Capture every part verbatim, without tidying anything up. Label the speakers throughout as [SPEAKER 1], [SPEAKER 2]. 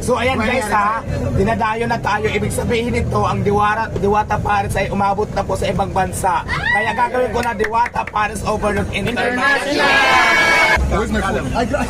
[SPEAKER 1] So ayan guys ha, dinadayo na tayo. Ibig sabihin nito, ang Diwata, Diwata Paris ay umabot na po sa ibang bansa. Kaya gagawin ko na Diwata Paris Overlook International.
[SPEAKER 2] Where's my phone?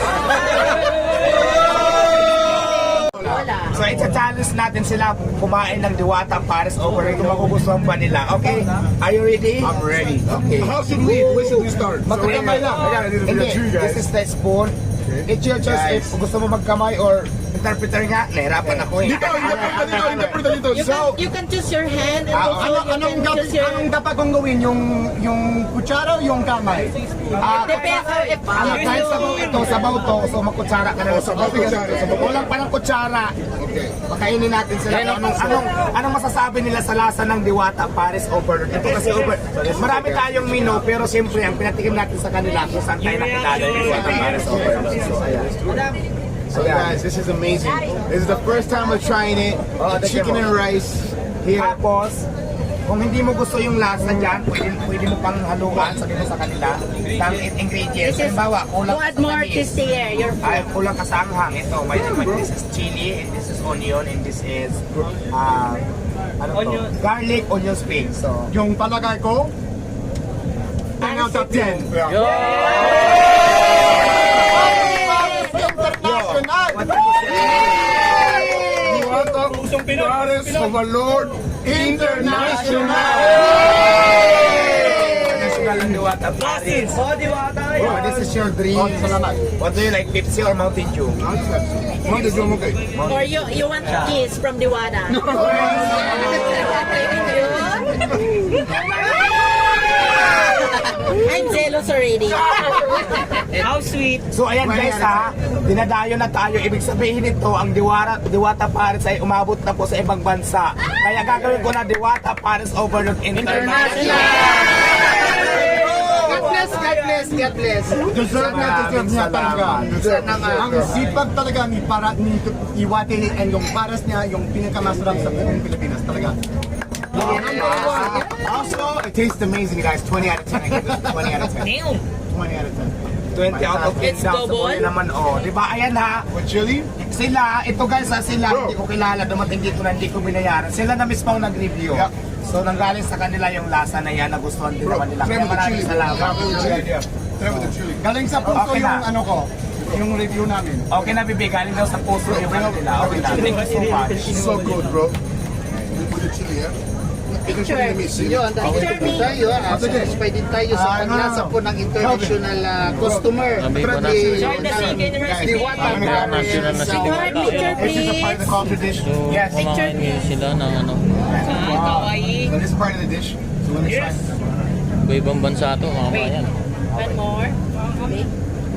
[SPEAKER 1] So i-challenge natin sila kumain ng Diwata Paris Overlook kung magugustuhan pa nila. Okay? Are you ready?
[SPEAKER 2] I'm ready.
[SPEAKER 1] Okay.
[SPEAKER 2] How should we? Where should we start?
[SPEAKER 1] Magkamay lang. Hindi, this is the spoon. It's your choice if gusto mo magkamay or interpreter nga. Nahirapan ako eh.
[SPEAKER 2] Dito, interpreter dito, interpreter dito.
[SPEAKER 3] You
[SPEAKER 2] So,
[SPEAKER 3] can, you can choose your hand and
[SPEAKER 1] Ah,
[SPEAKER 3] also
[SPEAKER 4] Ano,
[SPEAKER 3] you
[SPEAKER 4] anong,
[SPEAKER 3] can
[SPEAKER 4] dap,
[SPEAKER 3] choose your...
[SPEAKER 4] anong dapat kong gawin? Yung, yung kutsara o yung kamay?
[SPEAKER 1] Ah,
[SPEAKER 3] Depends on if
[SPEAKER 1] ano,
[SPEAKER 3] you
[SPEAKER 1] kahit
[SPEAKER 3] do-
[SPEAKER 1] sabaw ito, sabaw to, so magkutsara ka na lang.
[SPEAKER 2] sabaw, kutsara, sabaw.
[SPEAKER 1] Kulang pa ng kutsara.
[SPEAKER 2] okay.
[SPEAKER 1] Pakainin natin sila. Anong, anong, anong masasabi nila sa lasa ng Diwata Paris Overlook? Ito kasi over. Marami tayong menu, pero siyempre ang pinatikim natin sa kanila kung saan tayo nakilala yung Diwata Paris Overlook. So, ayan.
[SPEAKER 5] So guys, this is amazing. This is the first time we're trying it.
[SPEAKER 1] Oh, the
[SPEAKER 5] Chicken
[SPEAKER 1] demo.
[SPEAKER 5] and rice here.
[SPEAKER 1] Tapos, kung hindi mo gusto yung lasa dyan, pwede, pwede mo pang haluan, sabi mo sa kanila, ng ingredients.
[SPEAKER 3] This is
[SPEAKER 1] Halimbawa, kulang
[SPEAKER 3] to
[SPEAKER 1] ka
[SPEAKER 3] add
[SPEAKER 1] sa
[SPEAKER 3] more
[SPEAKER 1] tamis.
[SPEAKER 3] tastier, your
[SPEAKER 1] Ay,
[SPEAKER 3] food.
[SPEAKER 1] kulang ka sa anghang. Ito, may, may, this is chili, and this is onion, and this is uh, ano to? Garlic, onion spring. So,
[SPEAKER 4] Yung palagay ko, ten out of ten. International!
[SPEAKER 2] Paris Overlord International.
[SPEAKER 1] traditional ng Diwata Paris. Oh, Diwata! Oh, this is your dream.
[SPEAKER 4] Oh, salamat.
[SPEAKER 1] What do you like, Pepsi or Mountain Dew?
[SPEAKER 2] Mountain Dew, okay.
[SPEAKER 3] Or you you want a kiss from Diwata? I'm jealous already.
[SPEAKER 6] How sweet.
[SPEAKER 1] So ayan guys ha, dinadayo na tayo. Ibig sabihin nito, ang Diwata, Diwata Paris ay umabot na po sa ibang bansa. Kaya gagawin ko na Diwata Paris Overlook International.
[SPEAKER 5] God bless, God bless, God bless.
[SPEAKER 4] Deserve na deserve niya talaga.
[SPEAKER 5] Deserve na nga.
[SPEAKER 4] Ang sipag talaga ni para ni Iwate and yung paras niya yung pinakamasarap sa buong Pilipinas talaga.
[SPEAKER 5] Also, it tastes amazing, guys. twenty out of ten. I give it twenty out of ten.
[SPEAKER 6] Damn.
[SPEAKER 5] twenty out of ten.
[SPEAKER 1] twenty out of ten
[SPEAKER 6] It's
[SPEAKER 1] daw sa
[SPEAKER 6] double.
[SPEAKER 1] buhay naman. Oh, di ba? Ayan ha.
[SPEAKER 2] With chili?
[SPEAKER 1] Sila, ito guys ha, sila,
[SPEAKER 2] Bro.
[SPEAKER 1] hindi ko kilala, dumating dito na hindi ko binayaran. Sila na mismo ang nag-review.
[SPEAKER 2] Yeah.
[SPEAKER 1] So nanggaling sa kanila yung lasa na yan, nagustuhan din
[SPEAKER 2] Bro,
[SPEAKER 1] naman nila.
[SPEAKER 2] try
[SPEAKER 1] Kaya
[SPEAKER 2] with the
[SPEAKER 1] maraming
[SPEAKER 2] chili.
[SPEAKER 1] salamat.
[SPEAKER 2] Try with the chili. Try with the chili.
[SPEAKER 4] Galing sa puso
[SPEAKER 1] Okay na.
[SPEAKER 4] yung ano ko, yung review namin.
[SPEAKER 1] Okay na, Bibi, galing daw sa puso yung ano nila. Okay na, thank you so much.
[SPEAKER 2] So good, bro. With the chili, yeah?
[SPEAKER 3] Picture.
[SPEAKER 5] Yun, dahil
[SPEAKER 3] Picture me.
[SPEAKER 5] tayo, ah, satisfied din tayo sa
[SPEAKER 4] Ah, no, no,
[SPEAKER 5] paglasa
[SPEAKER 4] no.
[SPEAKER 5] po ng international ah, customer.
[SPEAKER 6] Enjoy the chicken
[SPEAKER 5] Di Diwata Paris.
[SPEAKER 3] Picture, picture
[SPEAKER 1] This is a part of the
[SPEAKER 3] please.
[SPEAKER 1] culture dish. Yes.
[SPEAKER 6] Kumakain ngayon sila ng ano,
[SPEAKER 1] So this is part of the dish. So when it's yes.
[SPEAKER 6] iba-ibang bansa to, mamamayan.
[SPEAKER 3] One more. Okay.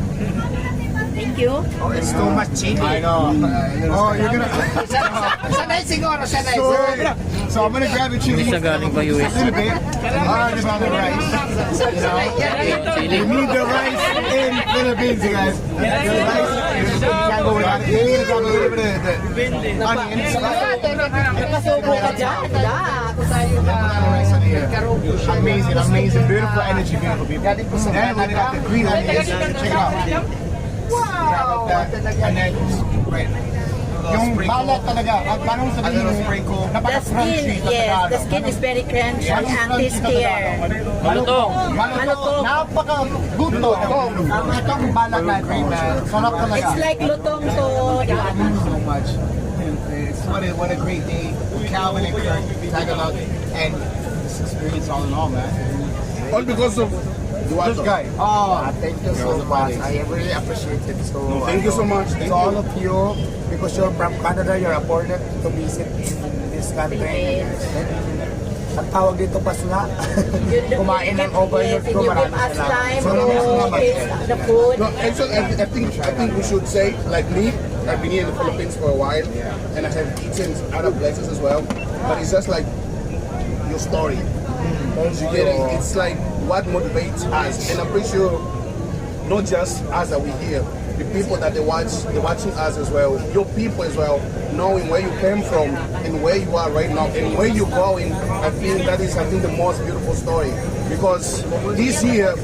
[SPEAKER 3] Thank you.
[SPEAKER 1] Oh, it's too much chili.
[SPEAKER 5] I know.
[SPEAKER 1] Oh, you're gonna...
[SPEAKER 5] Sanay siguro, sanay.
[SPEAKER 1] So, so I'm gonna grab the chili.
[SPEAKER 6] Hindi siya galing pa U S.
[SPEAKER 1] A little bit. Hard about the rice. You know?
[SPEAKER 6] Chili.
[SPEAKER 1] You need the rice in Philippines, you guys. The rice, you can't go without it. You need to grab a little bit of the, the onions.
[SPEAKER 3] Napasubo ka dyan. Wala. Ako tayo
[SPEAKER 1] Put the rice in here.
[SPEAKER 5] uh,
[SPEAKER 1] Amazing, amazing, beautiful energy, beautiful people. And we got the green onions. Check it out.
[SPEAKER 5] Wow!
[SPEAKER 1] And then, right.
[SPEAKER 4] Yung balat talaga, at parang
[SPEAKER 1] A
[SPEAKER 4] sabihin
[SPEAKER 1] little
[SPEAKER 4] mo,
[SPEAKER 1] sprinkle.
[SPEAKER 3] The
[SPEAKER 4] napaka-crunchy
[SPEAKER 3] skin,
[SPEAKER 4] talaga.
[SPEAKER 3] yes. The skin is very crunchy and tastier.
[SPEAKER 6] Malutong.
[SPEAKER 3] Malutong.
[SPEAKER 4] Napaka-good to. Ang itong balat natin, sarap talaga.
[SPEAKER 3] It's like lutong to Diwata.
[SPEAKER 1] so much. It's what a, what a great day. Calvin and Kirk, Tagalog, and this experience all in all, man.
[SPEAKER 2] All because of
[SPEAKER 4] This
[SPEAKER 2] Diwata.
[SPEAKER 4] guy.
[SPEAKER 1] Oh, thank you so much. I really appreciate it. So,
[SPEAKER 2] No, thank you so much. Thank
[SPEAKER 1] to all
[SPEAKER 2] you.
[SPEAKER 1] of you, because you're from Canada, you're afforded to visit in this country. Ang tawag dito pas nga, kumain ng overload
[SPEAKER 3] Yes,
[SPEAKER 1] ko,
[SPEAKER 3] and you give
[SPEAKER 1] maraming
[SPEAKER 3] us time
[SPEAKER 1] salamat.
[SPEAKER 3] to
[SPEAKER 1] Salamat.
[SPEAKER 3] taste the food.
[SPEAKER 2] No, actually, I, I think I think we should say, like me, I've been here in the Philippines for a while, and I have eaten other places as well. But it's just like your story. You get it? It's like what motivates us, and I'm pretty sure not just us that we here, the people that they watch, they're watching us as well, your people as well, knowing where you came from and where you are right now and where you're going. I think that is, I think, the most beautiful story, because this year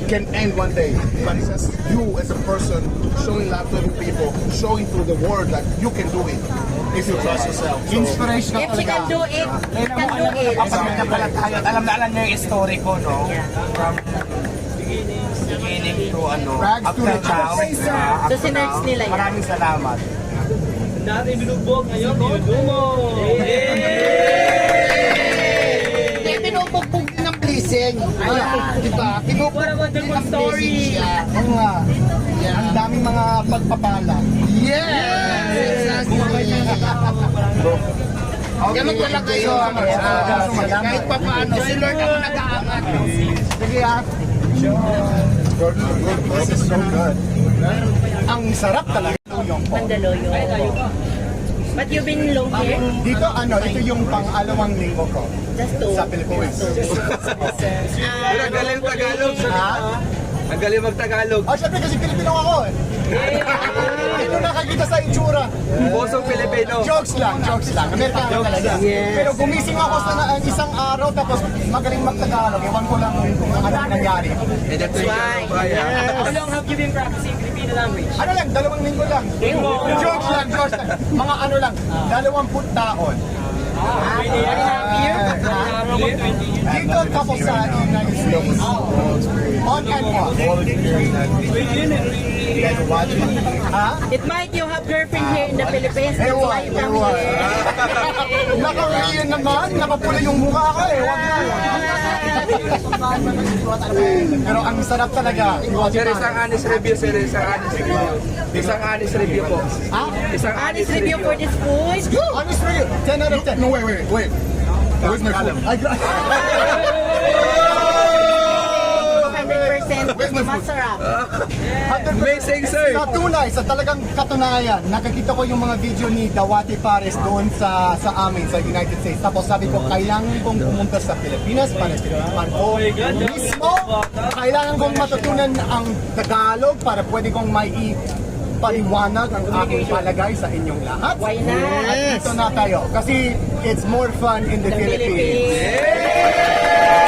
[SPEAKER 2] can end one day. But it's just you as a person showing love to other people, showing to the world that you can do it if you trust yourself. So,
[SPEAKER 4] Inspirational
[SPEAKER 3] If she can
[SPEAKER 4] talaga.
[SPEAKER 3] do it, she can do it.
[SPEAKER 1] Kapag nagpala tayo, at alam na alam niyo yung story ko, no?
[SPEAKER 3] Yeah.
[SPEAKER 1] From beginning to ano,
[SPEAKER 4] Rags
[SPEAKER 1] up
[SPEAKER 4] to
[SPEAKER 1] till
[SPEAKER 4] riches.
[SPEAKER 1] now. uh, up
[SPEAKER 3] So,
[SPEAKER 1] to
[SPEAKER 3] sinerge
[SPEAKER 1] now.
[SPEAKER 3] nila yan.
[SPEAKER 1] Maraming salamat.
[SPEAKER 4] Hindi, pinupugbog ng blessing. Ayan, di ba? Pinupugbog ng blessing siya. Oo nga. Ang daming mga pagpapala. Yes! Ganun talaga yun. Kahit pa paano, si Lord ang nag-aangat. Sige ah. This is so good. Ang sarap talaga yung po.
[SPEAKER 3] Mandaluyong. But you've been long here?
[SPEAKER 4] Dito ano, ito yung pang-alawang linggo ko
[SPEAKER 3] Just two.
[SPEAKER 4] sa Pilipinas.
[SPEAKER 3] Ah,
[SPEAKER 7] Galing Tagalog.
[SPEAKER 4] Ha?
[SPEAKER 7] Ang galing mag-Tagalog.
[SPEAKER 4] Oh, syempre kasi Pilipino ako eh. Ito nakakita sa itsura.
[SPEAKER 7] Bosong Pilipino.
[SPEAKER 4] Jokes lang, jokes lang. Amerikano talaga. Pero gumising ako sa na- isang araw tapos magaling mag-Tagalog. Ewan ko lang kung ano ang nangyari.
[SPEAKER 7] And that's why.
[SPEAKER 3] How
[SPEAKER 7] long have you been practicing Filipino language?
[SPEAKER 4] Ano lang, dalawang linggo lang. Jokes lang, jokes lang. Mga ano lang, dalawamput taon.
[SPEAKER 3] ah, very happy here.
[SPEAKER 4] Dito tapos sa United States. On and off. Ha?
[SPEAKER 3] It might you have girlfriend here in the Philippines. That's
[SPEAKER 4] Ewan,
[SPEAKER 3] why you come
[SPEAKER 4] ewan.
[SPEAKER 3] here.
[SPEAKER 4] Naka-Korean naman, nakapula yung mukha ko eh. Wag na. Pero ang sarap talaga.
[SPEAKER 7] Sir, isang honest review, sir. Isang honest review. Isang honest review po.
[SPEAKER 4] Ha?
[SPEAKER 7] Isang
[SPEAKER 3] Honest review for this food.
[SPEAKER 4] Honest review. ten out of ten.
[SPEAKER 2] no, wait, wait, wait. Where's my phone?
[SPEAKER 4] Ay, gra-
[SPEAKER 3] one hundred percent masarap.
[SPEAKER 7] Amazing, sir.
[SPEAKER 4] Sa tunay, sa talagang katunayan, nakakita ko yung mga video ni Dawati Pares doon sa sa amin, sa United States. Tapos sabi ko, kailangan kong pumunta sa Pilipinas para tinutupan ko mismo. Kailangan kong matutunan ang Tagalog para pwede kong mai paliwanag ang aking palagay sa inyong lahat.
[SPEAKER 3] Why not?
[SPEAKER 4] At dito na tayo. Kasi it's more fun in the,
[SPEAKER 3] The
[SPEAKER 4] Philippines.
[SPEAKER 3] Philippines.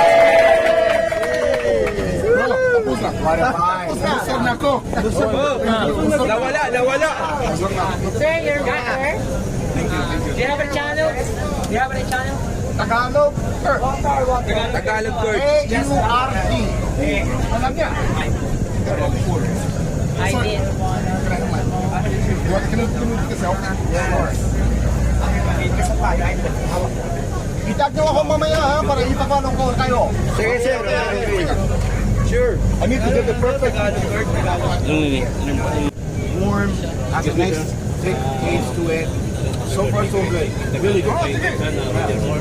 [SPEAKER 2] Tapos na. Busog na ako.
[SPEAKER 7] Nawala, nawala.
[SPEAKER 3] Sir, your daughter? Do you have a channel? Do you have a channel?
[SPEAKER 4] Tagalog, er,
[SPEAKER 7] Tagalog court.
[SPEAKER 4] A U R T. Alam niya.
[SPEAKER 3] I did.
[SPEAKER 4] Itag niyo ako mamaya ha, para ipapalong ko kayo.
[SPEAKER 7] Sige, sir. Sure.
[SPEAKER 2] I need to get the perfect.
[SPEAKER 1] Warm, has a nice thick taste to it. So far, so good. Really good.